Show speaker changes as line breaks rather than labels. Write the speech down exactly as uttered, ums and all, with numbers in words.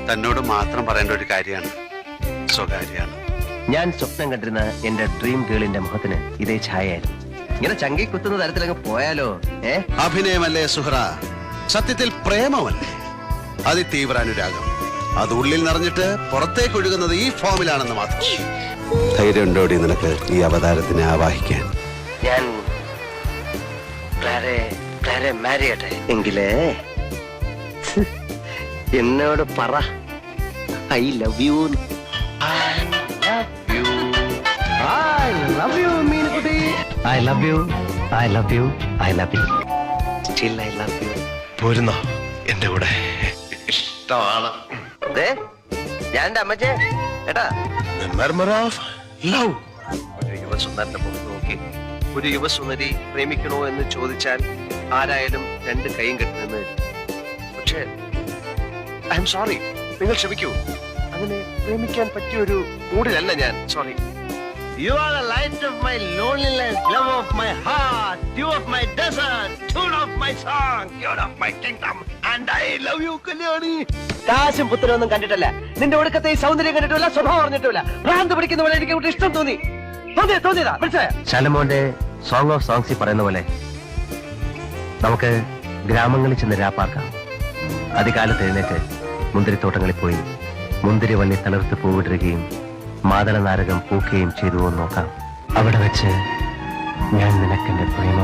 തന്നോട് മാത്രം പറയേണ്ട ഒരു കാര്യമാണ്, സ്വകാര്യാണ്.
ഞാൻ സ്വപ്നം കണ്ടിരുന്ന എന്റെ ഡ്രീം ഗേളിന്റെ മുഖത്തിന് ഇതേ ഛായായിരുന്നു. ഇങ്ങനെ ചങ്കി കുത്തുന്ന തരത്തിലങ്ങ് പോയാലോ? ഏ
അഭിനയമല്ലേ സുഹ്റ, സത്യത്തിൽ പ്രേമമല്ലേ, അതിതീവ്ര അനുരാഗം. അത് ഉള്ളിൽ നിറഞ്ഞിട്ട് പുറത്തേക്ക് ഒഴുകുന്നത് ഈ ഫോമിലാണെന്ന് മാത്രം. ധൈര്യം ഉണ്ടോടി നിനക്ക് ഈ അവതാരത്തിനെ ആവാഹിക്കാൻ?
ഞാൻ ക്ലാരെ ക്ലാരെ മാരി ചെയ്യട്ടെ എങ്കിലേ എന്നോട് പറ I love you. I love you, മീനുകുട്ടി. I love you. I love you. I love you. Still I love you.
പോരുന്നോ എന്റെ കൂടെ? ഇഷ്ടമാണ്.
ദേ, ഞാൻ എന്റെ അമ്മച്ചേ ഏട്ടാ.
The murmur of love.
ഒരു യുവസുന്ദരന്റെ മുഖത്ത് നോക്കി ഒരു യുവസുന്ദരി പ്രേമിക്കണോ എന്ന് ചോദിച്ചാൽ ആരായാലും രണ്ട് കൈയും കെട്ടി നിന്ന്. പക്ഷേ ഐ എം സോറി, നിങ്ങൾ ക്ഷമിക്കൂ. അങ്ങനെ പ്രേമിക്കാൻ പറ്റിയ ഒരു മൂഡിലല്ല ഞാൻ. Sorry. You are the light of my loneliness, love of my heart, dew of my desert, tune of my song, tune of my kingdom, and I love you, Kalyani. കാശും പുത്രനൊന്നും കണ്ടിട്ടല്ല, നിന്റെ ഒടുക്കത്തെ ഈ സൗന്ദര്യം കണ്ടിട്ടില്ല, സ്വഭാവം അറിഞ്ഞിട്ടില്ല. ഭ്രാന്ത് പിടിക്കുന്ന പോലെ എനിക്ക് ഇവിടെ ഇഷ്ടം തോന്നി. തോന്നിയ തോന്നിയതാ, മനസ്സിലായ? ശലമോന്റെ സോങ് ഓഫ് സോങ്സിൽ പറയുന്ന പോലെ നമുക്ക് ഗ്രാമങ്ങളിൽ ചെന്ന് രാപ്പാർക്കാം. അതികാലത്ത് എഴുന്നേറ്റ് മുന്തിരിത്തോട്ടങ്ങളിൽ പോയി മുന്തിരി വള്ളി തളിർത്ത് പൂവിടുകയും മാതള നാരകം പൂക്കുകയും ചെയ്തുവോ നോക്കാം. അവിടെ വെച്ച് ഞാൻ നിനക്കെന്റെ പ്രേമം